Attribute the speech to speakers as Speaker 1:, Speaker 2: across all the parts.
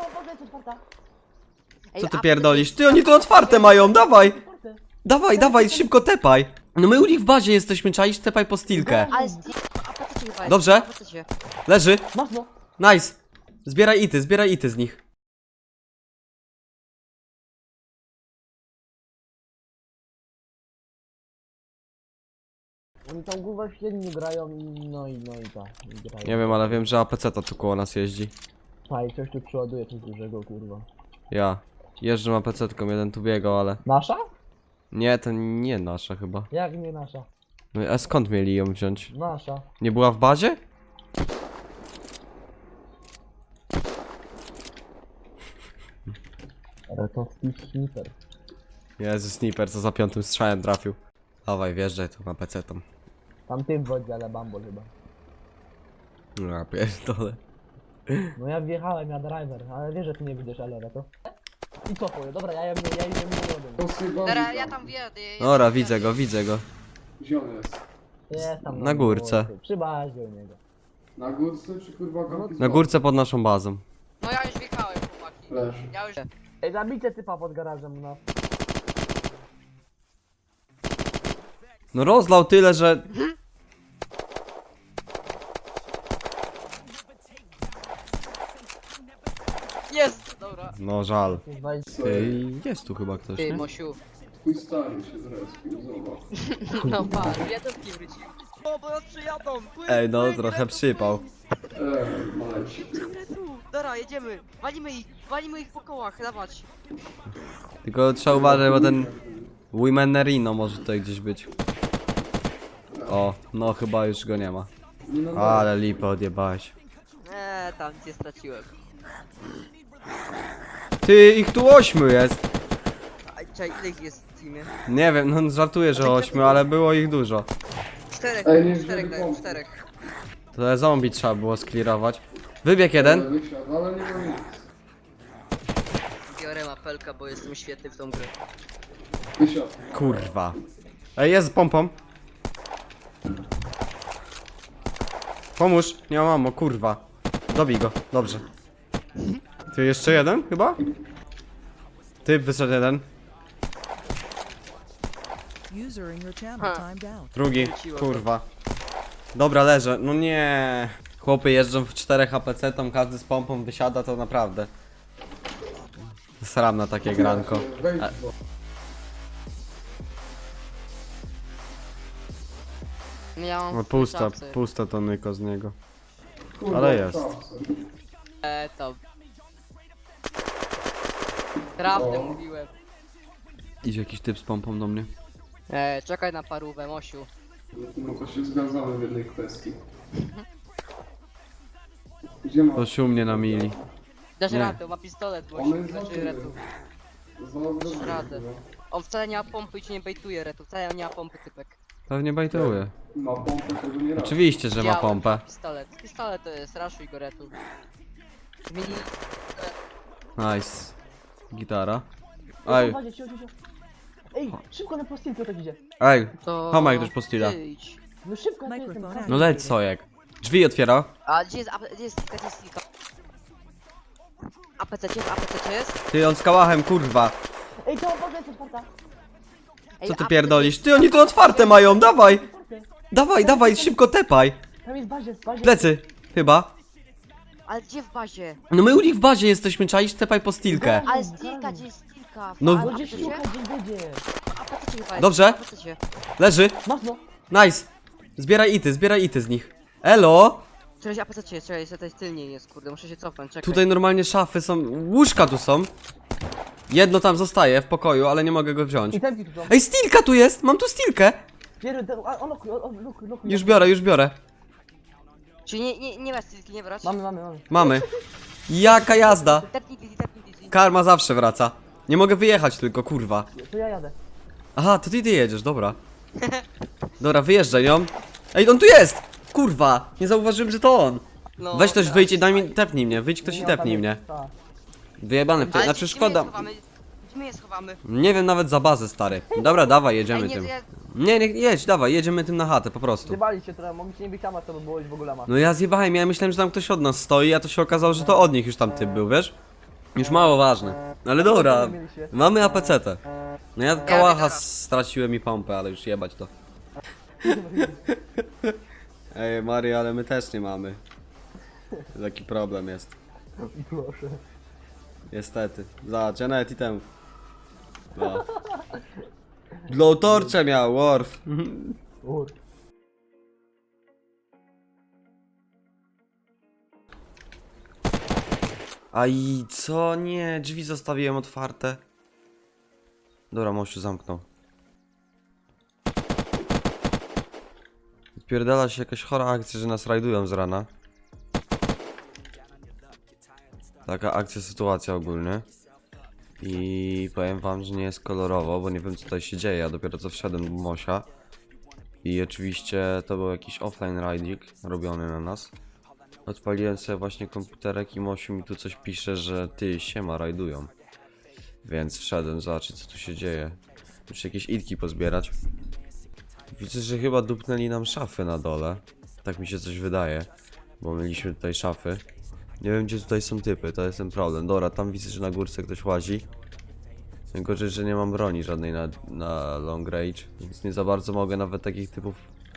Speaker 1: woda jest otwarta.
Speaker 2: Co ty pierdolisz? Ty, oni to otwarte mają, dawaj! Dawaj, dawaj, szybko tepaj! No my u nich w bazie jesteśmy, czaisz? Tepaj po stilkę.
Speaker 3: Ale a po co ci chyba jest?
Speaker 2: Dobrze.
Speaker 3: A po co ci?
Speaker 2: Leży.
Speaker 1: Masz no.
Speaker 2: Nice. Zbieraj ity z nich.
Speaker 1: Oni tam głowę średnio grają i no i tak. Grają.
Speaker 2: Nie wiem, ale wiem, że APC to tu koło nas jeździ.
Speaker 1: A i coś tu przeładuje coś dużego, kurwa.
Speaker 2: Ja. Jeżdżę APC-tką, jeden tu biegał, ale...
Speaker 1: Nasza?
Speaker 2: Nie, to nie nasza chyba.
Speaker 1: Jak nie nasza?
Speaker 2: No a skąd mieli ją wziąć?
Speaker 1: Nasza.
Speaker 2: Nie była w bazie?
Speaker 1: Ale to sniper.
Speaker 2: Jezu, sniper, co za piątym strzałem trafił. Dawaj, wjeżdżaj tu APC-tą.
Speaker 1: Tam tym w wodzie, ale bambol chyba.
Speaker 2: No ja pierdolę.
Speaker 1: No ja wjechałem, ja driver, ale wiesz, że ty nie widzisz Alera, to? I co powie? Dobra, ja jem młodym.
Speaker 3: Dobra, ja tam wjadę.
Speaker 2: Dobra, widzę go.
Speaker 4: Gdzie on jest?
Speaker 1: Jest tam
Speaker 2: Na górce.
Speaker 1: Przy bazie u niego.
Speaker 4: Na górce czy kurwa kampi?
Speaker 2: Na górce pod naszą bazą.
Speaker 3: No ja już wjechałem, chłopaki.
Speaker 4: Leż.
Speaker 3: Ja już...
Speaker 1: Ej, zabijcie typa pod garażem, no.
Speaker 2: No rozlał tyle, że...
Speaker 3: Jest! Dobra.
Speaker 2: No żal.
Speaker 1: Weź-
Speaker 2: Ej, jest tu chyba ktoś,
Speaker 3: Ty,
Speaker 2: nie?
Speaker 3: Mosiu.
Speaker 4: Twój stary się zrespił, zobacz.
Speaker 3: No patrz, jedynki wrócił. O, bo nas przyjadą! Płyń,
Speaker 2: Ej, no
Speaker 3: płyń,
Speaker 2: trochę
Speaker 3: Retu,
Speaker 2: przypał.
Speaker 4: Maleci.
Speaker 3: płyń, Retu. Dobra, jedziemy. Walimy ich po kołach, dawać.
Speaker 2: Tylko trzeba uważać, bo ten... Wimenerino może tutaj gdzieś być. O, no chyba już go nie ma.
Speaker 4: Nie no,
Speaker 2: Ale lipę odjebałeś.
Speaker 3: Tam cię straciłem.
Speaker 2: Ty, ich tu 8 jest.
Speaker 3: A czekaj, ile ich jest w teamie?
Speaker 2: Nie wiem, no żartuję, że 8, ale było ich dużo.
Speaker 3: Czterech,
Speaker 4: Ej, nie,
Speaker 3: czterech
Speaker 4: żeby
Speaker 3: dają,
Speaker 4: pomóc.
Speaker 3: czterech.
Speaker 2: To zombie trzeba było sklirować. Wybieg jeden.
Speaker 4: Wysiadł, ale nie ma nic.
Speaker 3: Biorę mapelka, bo jestem świetny w tą grę.
Speaker 4: Wysiadł.
Speaker 2: Kurwa. Ej, jest z pompą. Pomóż, nie mam ammo, kurwa. Dobij go, dobrze. Ty jeszcze jeden chyba? Ty wyszedł jeden.
Speaker 5: User in your channel
Speaker 3: Ha.
Speaker 5: timed out.
Speaker 2: Drugi,
Speaker 3: Wróciło
Speaker 2: kurwa. Dobra, leżę, no nie. Chłopy jeżdżą w 4 APC, tam każdy z pompą wysiada, to naprawdę. Sram na takie granko.
Speaker 4: Wejdź,
Speaker 2: A-
Speaker 4: bo...
Speaker 3: Ja mam
Speaker 2: No pusta to nyko z niego.
Speaker 4: Kurwa,
Speaker 2: Ale jest.
Speaker 4: szafce.
Speaker 3: To. Prawdę
Speaker 4: O.
Speaker 3: mówiłem.
Speaker 2: Idzie jakiś typ z pompą do mnie.
Speaker 3: Czekaj na parówę, Mosiu.
Speaker 4: No to się zgadzamy w jednej kwestii. Gdzie ma?
Speaker 2: To się u mnie na mili.
Speaker 3: Dasz
Speaker 2: Nie.
Speaker 3: radę, ma pistolet,
Speaker 4: On
Speaker 3: Mosiu.
Speaker 4: jest
Speaker 3: Znaczy
Speaker 4: za
Speaker 3: retu.
Speaker 4: Znalazłem
Speaker 3: radę. On wcale nie ma pompy i ci nie bejtuje retu. Wcale nie ma pompy, typek.
Speaker 2: Pewnie bajtuje.
Speaker 4: Ma pompę, tego nie raz.
Speaker 2: Oczywiście, że ma
Speaker 3: Widziałem,
Speaker 2: pompę.
Speaker 3: Pistolet. Pistolet to jest, raszuj go retu. Mini...
Speaker 2: Nice. Gitara.
Speaker 1: Ej,
Speaker 2: Ej,
Speaker 1: chodźcie, Ej, szybko na postilkę tak idzie.
Speaker 2: ej.
Speaker 3: To...
Speaker 2: Tomek ktoś postila.
Speaker 3: Ty idź.
Speaker 1: No szybko, tu
Speaker 5: Microphone
Speaker 1: jestem.
Speaker 5: out.
Speaker 2: No leć sojek. Drzwi otwiera.
Speaker 3: A gdzie jest kilka, gdzie jest kilka? APC, gdzie jest APC, gdzie jest?
Speaker 2: Ty on z kałachem, kurwa.
Speaker 1: Ej, to woda jest otwarta.
Speaker 3: Ej,
Speaker 2: Co ty
Speaker 3: APC
Speaker 2: pierdolisz? Ty oni to otwarte mają, dawaj.
Speaker 1: Otwarte.
Speaker 2: Dawaj, szybko tepaj.
Speaker 1: Tam jest bazie.
Speaker 2: Plecy, chyba.
Speaker 3: Ale gdzie w bazie?
Speaker 2: No my u nich w bazie jesteśmy, czaisz? Tepaj po stilkę.
Speaker 3: Ale stilka, gdzie jest stilka?
Speaker 2: No,
Speaker 3: A
Speaker 1: No gdzie
Speaker 3: APC?
Speaker 1: szukać, gdzie będzie.
Speaker 3: APC chyba jest.
Speaker 2: Dobrze.
Speaker 3: APC.
Speaker 2: Leży.
Speaker 1: Masz no.
Speaker 2: Nice. Zbieraj ity z nich. Elo.
Speaker 3: Cześć, APC, czekaj, tutaj tylniej jest, kurde, muszę się cofnąć, czekaj.
Speaker 2: Tutaj normalnie szafy są, łóżka tu są. Jedno tam zostaje w pokoju, ale nie mogę go wziąć.
Speaker 1: I tempi tu są.
Speaker 2: Ej, stilka tu jest, mam tu stilkę.
Speaker 1: On lokuj.
Speaker 2: Już biorę.
Speaker 3: Czyli nie ma stilki, nie brać?
Speaker 1: Mamy.
Speaker 2: Mamy. Jaka jazda.
Speaker 3: Tepnij Dizzy.
Speaker 2: Karma zawsze wraca. Nie mogę wyjechać tylko, kurwa.
Speaker 1: To ja jadę.
Speaker 2: Aha, to ty jedziesz, dobra. Dobra, wyjeżdżaj ją. Ej, on tu jest! Kurwa, nie zauważyłem, że to on.
Speaker 3: No,
Speaker 2: Weź ktoś,
Speaker 3: tak.
Speaker 2: wyjdź i daj mi, tepnij mnie, wyjdź ktoś i
Speaker 1: Nie, on tam
Speaker 2: tepnij
Speaker 1: jest,
Speaker 2: mnie.
Speaker 1: tak.
Speaker 2: Wyjebany w ty,
Speaker 3: Ale
Speaker 2: znaczy
Speaker 3: gdzie
Speaker 2: szkoda.
Speaker 3: Gdzie my je schowamy?
Speaker 2: Nie wiem nawet za bazę, stary. Dobra, dawaj, jedziemy
Speaker 3: Ej, nie,
Speaker 2: tym.
Speaker 3: nie,
Speaker 2: Nie, jedź, dawaj, jedziemy tym na chatę, po prostu.
Speaker 1: Zjebali się trochę, mogliście nie być tam, to by było już w ogóle ma.
Speaker 2: No ja zjebałem, ja myślałem, że tam ktoś od nas stoi, a to się okazało, że to od nich już tam typ był, wiesz? Już mało ważne. Ale dobra,
Speaker 1: Co mieliście?
Speaker 2: mamy APC-tę. No ja kałacha
Speaker 3: dobra.
Speaker 2: straciłem i pompę, ale już jebać to. Ej Mario, ale my też nie mamy. Taki problem jest.
Speaker 1: Proszę.
Speaker 2: Niestety. Zobacz, ja nawet i temu. No. Blowtorcze miał, Worf.
Speaker 1: Ur.
Speaker 2: A i co? Nie, drzwi zostawiłem otwarte. Dobra, Mosiu zamknął. Odpierdala się jakaś chora akcja, że nas rajdują z rana. Taka akcja, sytuacja ogólnie. I powiem wam, że nie jest kolorowo, bo nie wiem co tutaj się dzieje. Ja dopiero co wszedłem do Mosia. I oczywiście to był jakiś offline rajdzik robiony na nas. Odpaliłem sobie właśnie komputerek i Mosiu mi tu coś pisze, że ty, siema, rajdują. Więc wszedłem zobaczyć co tu się dzieje. Muszę jakieś itki pozbierać. Widzę, że chyba dupnęli nam szafy na dole. Tak mi się coś wydaje. Bo mieliśmy tutaj szafy. Nie wiem gdzie tutaj są typy, to jest ten problem. Dobra, tam widzę, że na górce ktoś łazi. Gorzej, że nie mam broni żadnej na long range. Więc nie za bardzo mogę nawet takich typów...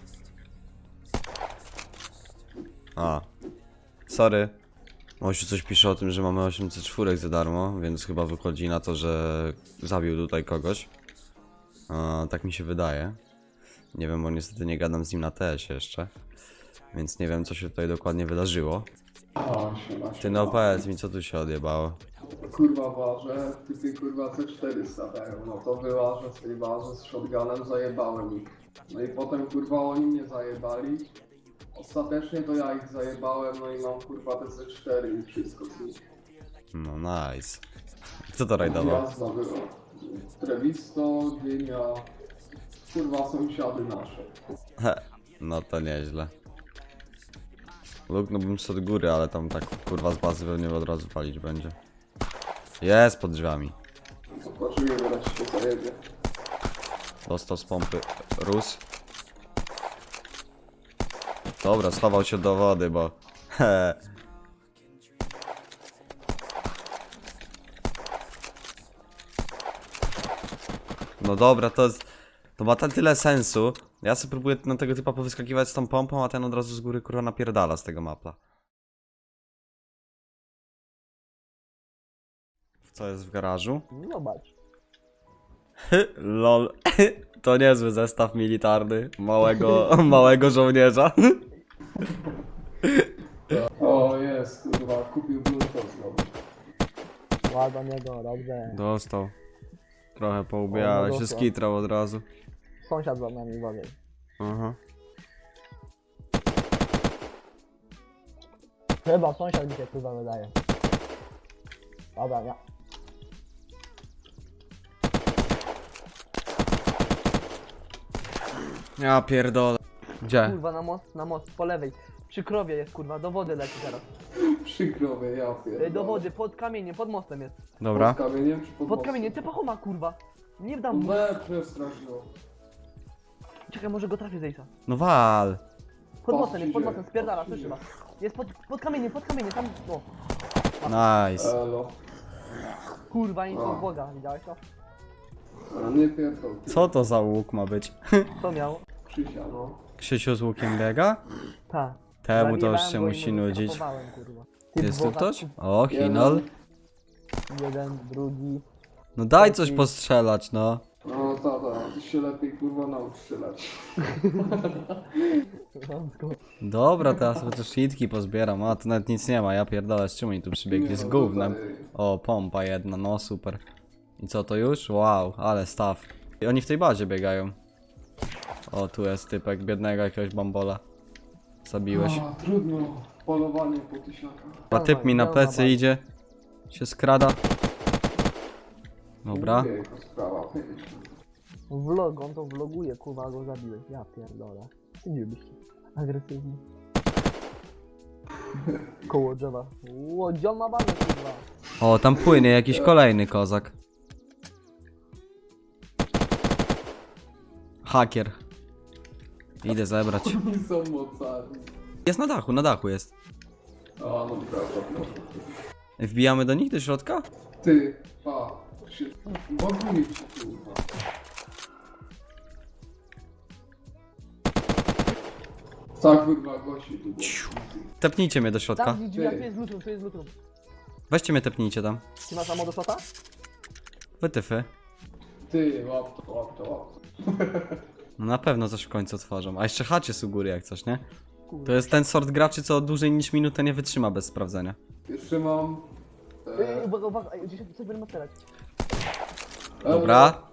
Speaker 2: A. Sorry. Mosiu coś pisze o tym, że mamy 804 za darmo, więc chyba wychodzi na to, że zabił tutaj kogoś. Tak mi się wydaje. Nie wiem, bo niestety nie gadam z nim na TS jeszcze. Więc nie wiem, co się tutaj dokładnie wydarzyło.
Speaker 4: A, siema,
Speaker 2: Ty
Speaker 4: siema.
Speaker 2: no powiedz mi, co tu się odjebało.
Speaker 4: Kurwa ważę, typy kurwa C4 stawiają, no to wyłażę z tej bazy z shotgunem, zajebałem ich. No i potem kurwa oni mnie zajebali. Ostatecznie to ja ich zajebałem, no i mam kurwa te C4 i wszystko z nich.
Speaker 2: No nice. Kto to rajdował?
Speaker 4: Jazda była. Trevisto, Dynia, kurwa sąsiady nasze.
Speaker 2: No to nieźle. Luknąłbym z od góry, ale tam tak kurwa z bazy pewnie od razu palić będzie. Jest pod drzwiami.
Speaker 4: Zobaczymy, wreszcie się zajebie.
Speaker 2: Dostał z pompy Rus. Dobra, schował się do wody, bo... No dobra, to jest... To ma tyle sensu. Ja sobie próbuję na tego typa powyskakiwać z tą pompą, a ten od razu z góry kurwa napierdala z tego mapla. Co jest w garażu?
Speaker 1: Zobacz.
Speaker 2: Lol. To niezły zestaw militarny małego żołnierza.
Speaker 4: O jest, kurwa, kupił Bluetooth znowu.
Speaker 1: Ładno niego, dobrze.
Speaker 2: Dostał. Trochę poubija,
Speaker 1: O, no
Speaker 2: ale się
Speaker 1: dostał.
Speaker 2: skitrał od razu.
Speaker 1: Sąsiad za nami uważaj.
Speaker 2: Aha.
Speaker 1: Chyba sąsiad mi się kurwa wydaje. Dobra, ja.
Speaker 2: Ja pierdolę. Gdzie?
Speaker 1: Kurwa na most, po lewej. Przy krowie jest kurwa, do wody leci teraz.
Speaker 4: Przykro mnie, ja pierdolę.
Speaker 1: Do wody, pod kamieniem, pod mostem jest.
Speaker 2: Dobra.
Speaker 4: Pod kamieniem czy pod
Speaker 1: Pod
Speaker 4: mostem?
Speaker 1: kamieniem, ty pachoma kurwa. Nie dam mu.
Speaker 4: Przestrasz go.
Speaker 1: Czekaj, może go trafię z Ace'a.
Speaker 2: No wal.
Speaker 1: Pod
Speaker 4: Patrz,
Speaker 1: mostem jest, pod
Speaker 4: idzie,
Speaker 1: mostem, spierdala,
Speaker 4: patrz,
Speaker 1: słyszy
Speaker 4: idzie.
Speaker 1: was. Jest pod kamieniem, tam, o.
Speaker 2: Nice.
Speaker 4: Elo.
Speaker 1: Kurwa, nic
Speaker 4: O.
Speaker 1: od Boga, widziałeś to?
Speaker 4: A nie pierdol.
Speaker 2: Co to za łuk ma być?
Speaker 1: Co miał?
Speaker 4: Krzysia, no.
Speaker 2: Krzysiu z łukiem biega?
Speaker 1: Ta.
Speaker 2: Temu to już
Speaker 1: Zajebałem
Speaker 2: się
Speaker 1: go i
Speaker 2: musi
Speaker 1: mu
Speaker 2: nudzić.
Speaker 1: skapowałem, kurwa. Ty
Speaker 2: Jest tu
Speaker 1: Boga,
Speaker 2: ktoś? O, Hinol.
Speaker 1: Jeden, drugi.
Speaker 2: No daj coś postrzelać, no.
Speaker 4: No tata, ty się lepiej kurwa naucz strzelać.
Speaker 2: Dobra, teraz chociaż nitki pozbieram. A, tu nawet nic nie ma, ja pierdolę, z czym oni tu przybiegli?
Speaker 4: Nie
Speaker 2: Z
Speaker 4: no,
Speaker 2: gównem.
Speaker 4: tutaj-
Speaker 2: O, pompa jedna, no super. I co to już? Wow, ale staw. I oni w tej bazie biegają. O, tu jest typek, biednego jakiegoś bambola. Zabiłeś.
Speaker 4: A, trudno. Polowanie po tysiakach.
Speaker 2: A typ mi na plecy idzie. Się skrada. Dobra.
Speaker 4: Jejku, sprawa, piękna.
Speaker 1: Vlog, on to vloguje, kurwa, go zabiłeś. Ja pierdolę. Ty nie byś agresywny. Koło drzewa. Łodzią ma banę, kurwa.
Speaker 2: O, tam płynie jakiś kolejny kozak. Hakier. Idę zebrać.
Speaker 4: Oni są mocarni.
Speaker 2: Jest na dachu jest.
Speaker 4: A, no prawda, prawda.
Speaker 2: Wbijamy do nich, do środka?
Speaker 4: Ty, pa. Boguje ci kurwa. Tak kurwa, gości tu.
Speaker 2: Tepnijcie mnie do środka.
Speaker 1: Tam drzwi, tu jest lutrum.
Speaker 2: Weźcie mnie, tepnijcie tam.
Speaker 1: Ty masz ammo do shota?
Speaker 2: Wytyfy.
Speaker 4: Ty, łap to.
Speaker 2: No na pewno coś w końcu otworzą. A jeszcze chacie jest u góry jak coś, nie?
Speaker 1: Kurde.
Speaker 2: To jest ten sort graczy, co dłużej niż minutę nie wytrzyma bez sprawdzenia.
Speaker 4: Jeszcze mam...
Speaker 1: Uwaga, gdzieś coś będę otwierać.
Speaker 2: Dobra.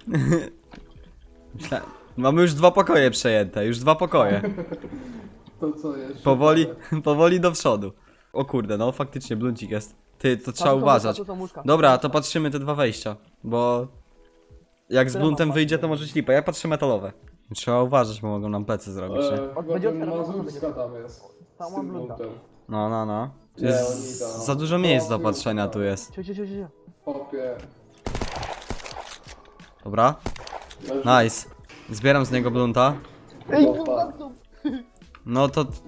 Speaker 2: Mamy już 2 pokoje przejęte, już 2 pokoje.
Speaker 4: To co jeszcze?
Speaker 2: Powoli do przodu. O kurde, no faktycznie bluncik jest. Ty, to trzeba
Speaker 1: tu są
Speaker 2: uważać.
Speaker 1: łóżka, tu są łóżka.
Speaker 2: Dobra, to patrzymy te 2 wejścia, bo... Jak z
Speaker 1: Które
Speaker 2: bluntem
Speaker 1: mam
Speaker 2: wyjdzie,
Speaker 1: patrzeć?
Speaker 2: to może ślipa. Ja patrzę metalowe. Trzeba uważać, bo mogą nam plecy zrobić, nie?
Speaker 4: Chyba
Speaker 1: Będzie
Speaker 4: ten
Speaker 1: otwierana,
Speaker 4: Mazurska tam jest.
Speaker 1: Tam
Speaker 4: Z
Speaker 1: mam
Speaker 4: tym
Speaker 1: blunda.
Speaker 4: buntem.
Speaker 2: No.
Speaker 4: Nie,
Speaker 2: Jest
Speaker 4: oni tam.
Speaker 2: za dużo miejsc do
Speaker 4: No,
Speaker 2: patrzenia
Speaker 4: kurwa.
Speaker 2: tu jest.
Speaker 1: Cio.
Speaker 4: Popie.
Speaker 2: Dobra? Nice. Zbieram z niego blunta.
Speaker 1: Ej,
Speaker 4: Opa.
Speaker 1: tu.
Speaker 2: No to